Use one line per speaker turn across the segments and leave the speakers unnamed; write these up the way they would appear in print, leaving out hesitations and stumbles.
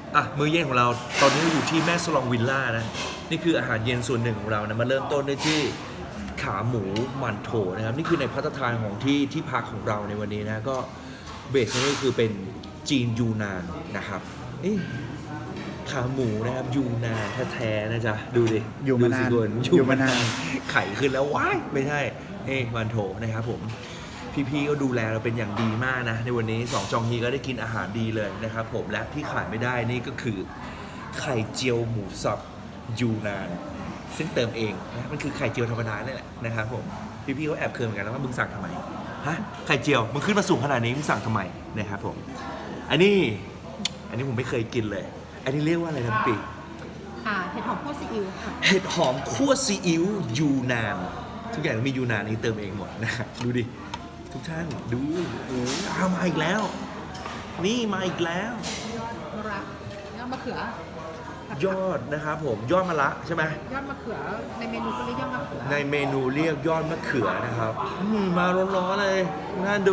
มื้อเย็นของเราตอนนี้เราอยู่ที่แม่สลองวิลล่านะนี่คืออาหารเย็นส่วนหนึ่งของเรานะมาเริ่มต้นด้วยที่ขาหมูหมั่นโถนะครับนี่คือในภัตตาคารของที่พักของเราในวันนี้นะก็เบสนี่คือเป็นจีนยูนานนะครับขาหมูนะครับยูนานแท้ๆนะจ๊ะดูดิ
อยู่มานาน
ดูสิคุณ
อยู่มานาน
ไข่ขึ้นแล้วว้ายไม่ใช่หมั่นโถนะครับผมพี่ๆก็ดูแลเราเป็นอย่างดีมากนะในวันนี้2จองฮีก็ได้กินอาหารดีเลยนะครับผมและที่ขาดไม่ได้นี่ก็คือไข่เจียวหมูสับยูนานซึ่งเติมเองนะมันคือไข่เจียวธรรมดาเนี่ยแหละนะครับผมพี่ๆก็แอบเคืองเหมือนกันนะว่ามึงสั่งทำไมฮะไข่เจียวมึงขึ้นมาสูงขนาดนี้มึงสั่งทำไมนะครับผมอันนี้ผมไม่เคยกินเลยอันนี้เรียกว่าอะไรนะปี
เห็ดหอมคั่วซีอิ๊วค่ะ
เห็ดหอมคั่วซีอิ๊วยูนานทุกอย่างมียูนานนี่เติมเองหมดนะดูดิทุกท่านดูโอ้มาอีกแล้วนี่มาอีกแล้ว
รักยอดมะเขือย
อดนะครับผมยอดมะระใช่ไหม
ยอดมะเขือในเมนูก็เรียกยอดมะเขือ
ในเมนูเรียกยอดมะเขือนะครับมาร้อนๆเลยน่าดู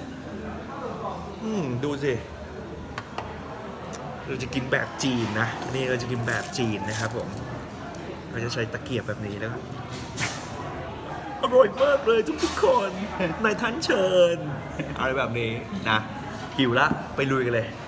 ดูสิเราจะกินแบบจีนนะนี่เราจะกินแบบจีนนะครับผมเราจะใช้ตะเกียบแบบนี้แล้วอร่อยมากเลยทุกคนนายท่านเชิญอะไรแบบนี้นะหิวละไปลุยกันเลย